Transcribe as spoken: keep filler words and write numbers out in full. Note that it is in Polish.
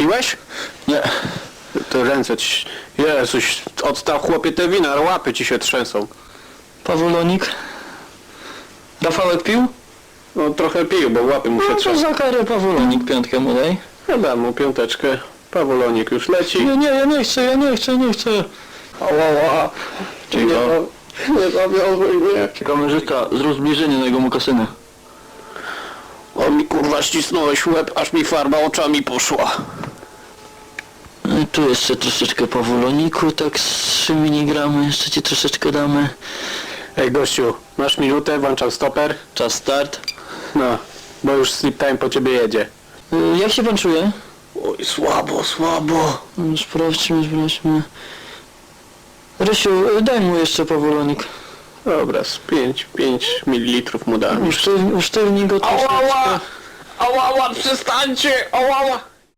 piłeś? Nie. To ręce ci... Jezuś, odstaw chłopie te wina, łapy ci się trzęsą. Pawulonik. Rafałek pił? No trochę pił, bo łapy mu się No to trzęsą. za karę Pawulonik piątkę mu daj. Chyba mu piąteczkę. Pawulonik już leci. Nie, nie, ja nie chcę, ja nie chcę, nie chcę. Ała, nie, nie zawiązuj mnie. Kamerzysta, zrób zbliżenie na jego mokasynę. O mi kurwa ścisnąłeś łeb, aż mi farba oczami poszła. No i tu jeszcze troszeczkę Pawuloniku, tak z trzy miligramy, jeszcze ci troszeczkę damy. Ej gościu, masz minutę, włączam stoper. Czas start. No, bo już sleep time po ciebie jedzie. Y, jak się pan czuje? Oj, słabo, słabo. No, sprawdźmy, sprawdźmy. Rysiu, y, daj mu jeszcze Pawulonik. Dobra, z pięć mililitrów mu dam. Usztywnij, usztywnij go troszeczkę. Ała, ała, ała, przestańcie, ała, ała.